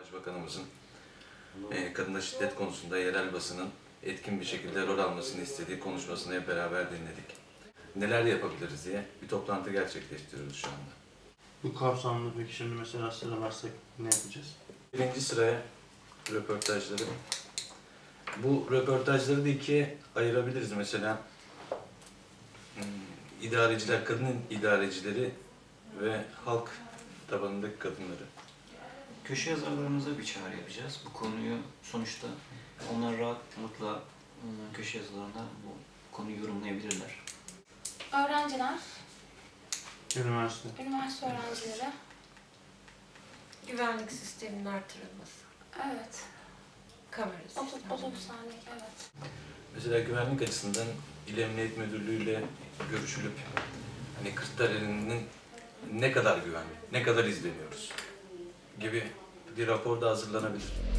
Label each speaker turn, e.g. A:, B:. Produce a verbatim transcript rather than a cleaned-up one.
A: Başbakanımızın e, kadına şiddet konusunda yerel basının etkin bir şekilde rol almasını istediği konuşmasını hep beraber dinledik. Neler yapabiliriz diye bir toplantı gerçekleştiriyoruz şu anda.
B: Bu kapsamda peki şimdi mesela sıralarsak ne yapacağız?
A: Birinci sıraya röportajları. Bu röportajları da ikiye ayırabiliriz mesela. Hmm, idareciler, kadın idarecileri ve halk tabanındaki kadınları.
C: Köşe yazarlarımıza bir çağrı yapacağız. Bu konuyu sonuçta onlar rahatlıkla ıı, köşe yazılarında bu konuyu yorumlayabilirler.
D: Öğrenciler,
B: Üniversite.
D: üniversite öğrencileri.
E: Güvenlik sisteminin artırılması.
D: Evet.
E: Kamera
D: Otobüs,
E: sistemi.
D: otobüslerdeki evet.
A: Mesela güvenlik açısından İl Emniyet Müdürlüğü görüşülüp hani Kırklareli'nin ne kadar güvenli, ne kadar izleniyoruz gibi bir rapor da hazırlanabilir.